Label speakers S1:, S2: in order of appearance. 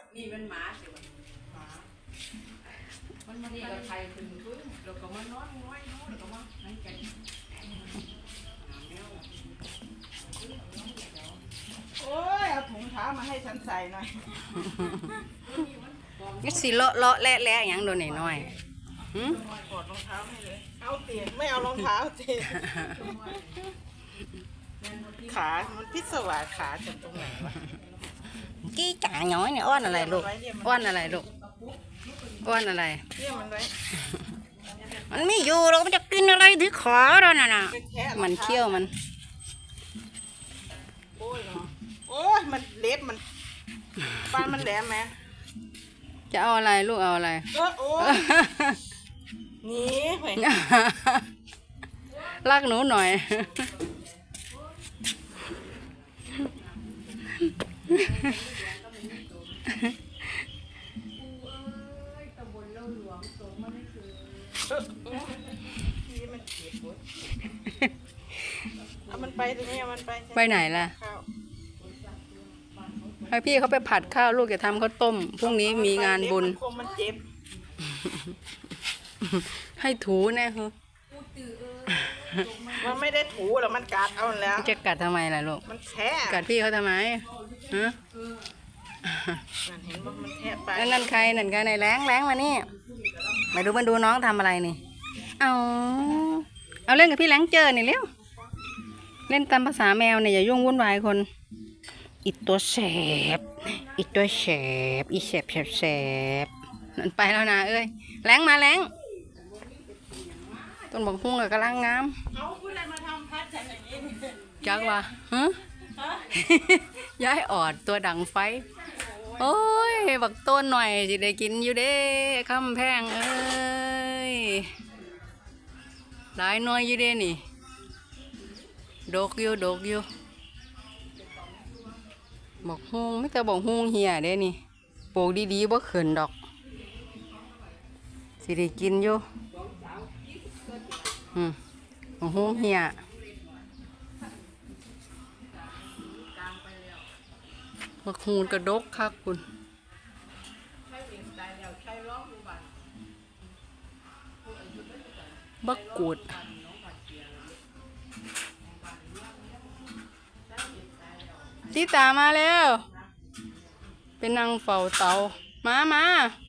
S1: นี่มันหมาสิวะหมามันมาดีกับใครขึ้นพื้นเราก็มานอนน้อยแล้วก็มานั่งกัน
S2: โอ้ยเอาถุงเท้ามาให้ฉันใส่หน่อย
S3: นี่สิเลาะเลาะแหละอย่างโดนหน่อยหืม
S2: กดรองเท้าให้เลยเอาเตียงไม่เอารองเท้าเตียงขามันพิศวาสขาจากตรงไหนวะ
S3: กี้จ๋าน้อยเนี่ยอ้อนอะไรลูกอ้อนอะไรลูกอ้อนอะไร
S2: เรียกมันไว้
S3: มันไม่อยู่เรามันจะกินอะไรที่ขอเราน่ะ
S2: ไปแทะ
S3: มันเคี้ยวมัน
S2: โอ้ยเนาะโอ้ยมันเล็บมันปานมันแหลมไหม
S3: จะเอาอะไรลูกเอาอะไร
S2: โอ้ยหนี่ไป
S3: ลากหนูหน่อย
S2: นี่มันเจ็บปวดเอามันไปตรงนี้เอามันไป
S3: ไปไหนล่ะ
S2: ข้าว
S3: ให้พี่เขาไปผัดข้าวลูกจะทำข้าวต้มพรุ่งนี้มีงานบุญ
S2: คงมันเจ็บ
S3: ให้ถูแน่คือ
S2: มันไม่ได้ถูหรอกมันกัดเอาแล้ว
S3: จะกัดทำไมล่ะลูก
S2: มันแทะ
S3: กัดพี่เขาทำไมฮะ
S2: มันเห็นว่ามันแทะไป
S3: นั่นใครนั่นใครในแรงมานี่มาดูน้องทำอะไรนี่เอาเล่นกับพี่แรงเจอนี่เร็วเล่นตามภาษาแมวเนี่ยอย่ายุ่งวุ่นวายคนอีตัวแสบอีตัวแสบอีแสบนั่นไปแล้วนะเอ้ยแรงมาแรงต้นบอกหุ้งกับกำลังงาม
S2: เอาคุณอะไรมาทำพัดฉันอย่างนี้
S3: จักว่าฮะ ย้ายออดตัวดังไฟโอ้ยบักต้นหน่อยสิได้กินอยู่เด้คำแพงเอ้ยหลายหน่อยอยู่เด้นี่ดกอยู่บอกฮุงไม่แต่บอกฮุงเหียเด้นี่ปลูกดีๆบ่เขินดอกสิได้กินอยู่บอกฮุงเหียบักฮูนกระดกคักคุณบักกูดติตามาแล้วเป็นนางเฝ้าเตามา